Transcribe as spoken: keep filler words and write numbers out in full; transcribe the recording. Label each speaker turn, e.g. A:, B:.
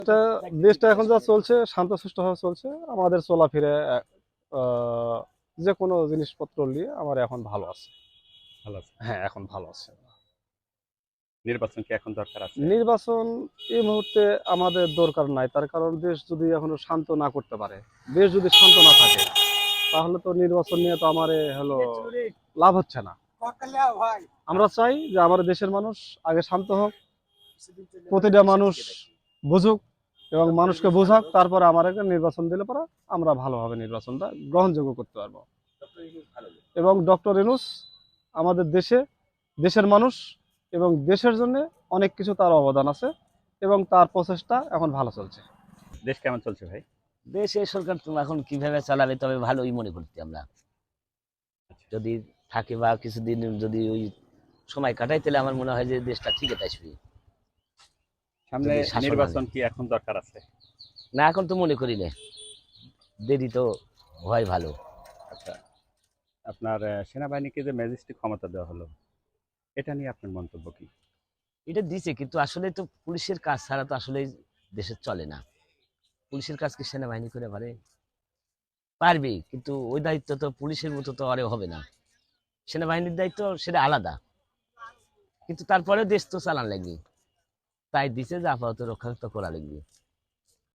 A: এটা দেশটা এখন যা চলছে শান্তশিষ্টভাবে চলছে। আমাদের চলাফেরা আহ, যে কোনো জিনিসপত্র নিয়ে আমার এখন ভালো আছে।
B: ভালো আছে।
A: হ্যাঁ, এখন ভালো আছে।
B: নির্বাচন কি এখন দরকার আছে?
A: নির্বাচন এই মুহূর্তে আমাদের দরকার নাই, তার কারণ দেশ যদি এখনো শান্ত না করতে পারে, দেশ যদি শান্ত না থাকে, তাহলে তো নির্বাচন নিয়ে তো আমার এ হলো লাভ হচ্ছে না। আমরা চাই যে আমাদের দেশের মানুষ আগে শান্ত হোক, প্রতিটা মানুষ বুঝুক এবং মানুষকে বোঝাক, তারপরে আমার একটা নির্বাচন দিলে পরে আমরা ভালোভাবে নির্বাচনটা গ্রহণযোগ্য করতে পারবো। এবং ডক্টর ইউনূস আমাদের দেশে দেশের মানুষ এবং দেশের জন্য অনেক কিছু তার অবদান আছে এবং তার প্রচেষ্টা এখন ভালো চলছে।
B: দেশ কেমন চলছে ভাই?
C: দেশে সরকার তো এখন কিভাবে চালাবে, তবে ভালোই মনে করছি আমরা।
B: আচ্ছা,
C: যদি থাকে বা কিছুদিন যদি ওই সময় কাটাই, তাহলে আমার মনে হয় যে দেশটা ঠিকই আসবে।
B: সামনে
C: যদি শাসন আনে,
B: নির্বাচন কি এখন দরকার আছে?
C: না এখন তো মনে করি না, দেরি তো হয় ভালো।
B: আচ্ছা, আপনার আহ, সেনাবাহিনীকে যে ম্যাজিস্ট্রেট ক্ষমতা দেওয়া হলো, এটা নিয়ে আপনার মন্তব্য কি?
C: এটা দিছে, কিন্তু আসলে তো পুলিশের কাজ ছাড়া তো আসলে দেশে চলে না। পুলিশের কাজ কি সেনাবাহিনী করে পারে? পারবে, কিন্তু ওই দায়িত্ব তো পুলিশের মতো তো আরে হবে না। সেনাবাহিনীর দায়িত্ব সেটা আলাদা, কিন্তু তারপরে দেশ তো চালান লাগবে। তাই দিছে যে আপাতত রক্ষা তো করা লাগবে।